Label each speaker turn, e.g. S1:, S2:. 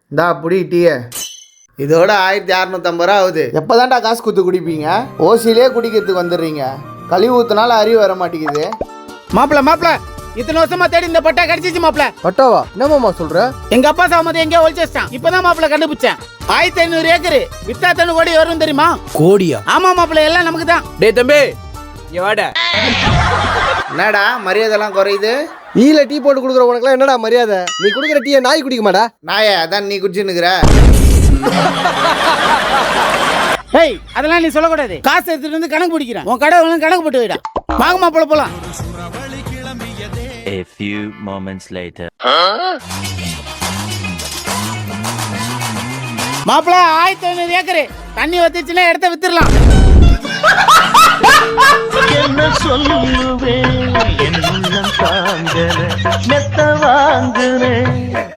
S1: இந்தா புடி டீய. இதோட 1650 ரூபா ஆகுது. எப்போதான்டா காசு கொடுத்து குடிப்பீங்க? ஓசிலே குடிக்கிறதுக்கு வந்துடுறீங்க. கழிவு ஊத்துனால அறிவு வர மாட்டேங்குது.
S2: மாப்பிள இத்தனை வருஷமா தேடி இந்த பட்டா கிடைச்சிச்சு மாப்பிள.
S3: பட்டாவா? என்னமாமா சொல்ற?
S2: எங்க அப்பா சாமதி எங்கேயோ ஒழிச்சிட்டான். இப்பதான் மாப்பிள கண்டுபிடிச்சேன். 1500 ஏக்கரு வித்தா 3 கோடி வரும் தெரியுமா?
S3: கோடியா?
S2: ஆமா மாப்பிள, எல்லாம் நமக்கு தான்.
S3: டேய் தம்பி, இங்க வாடா.
S1: என்னடா மரியாதைலாம் குறையுது?
S3: ஈல டீ போட்டு குடுக்குற உனக்குலாம் என்னடா மரியாதை? நீ குடுக்குற டீயை நாய் குடிக்க மாடா?
S1: நாயே, அதான் நீ குடிச்சுன்னுக்குற.
S2: ஏய், அதெல்லாம் நீ சொல்லக்கூடாது. காசு எடுத்துட்டு வந்து கணக்கு பிடிக்கிறேன். உன் கடை கணக்கு போட்டு வைடா. வாங்க மாப்பிள போலாம்.
S4: A few moments later.
S2: மாப்பிள 1500 ஏக்கரு தண்ணி வத்திச்சுன்னா இடத்த வித்துடலாம்.
S5: என்ன சொல்லுவேன், என் உள்ளம் தாங்கல மெத்த வாங்குறேன்.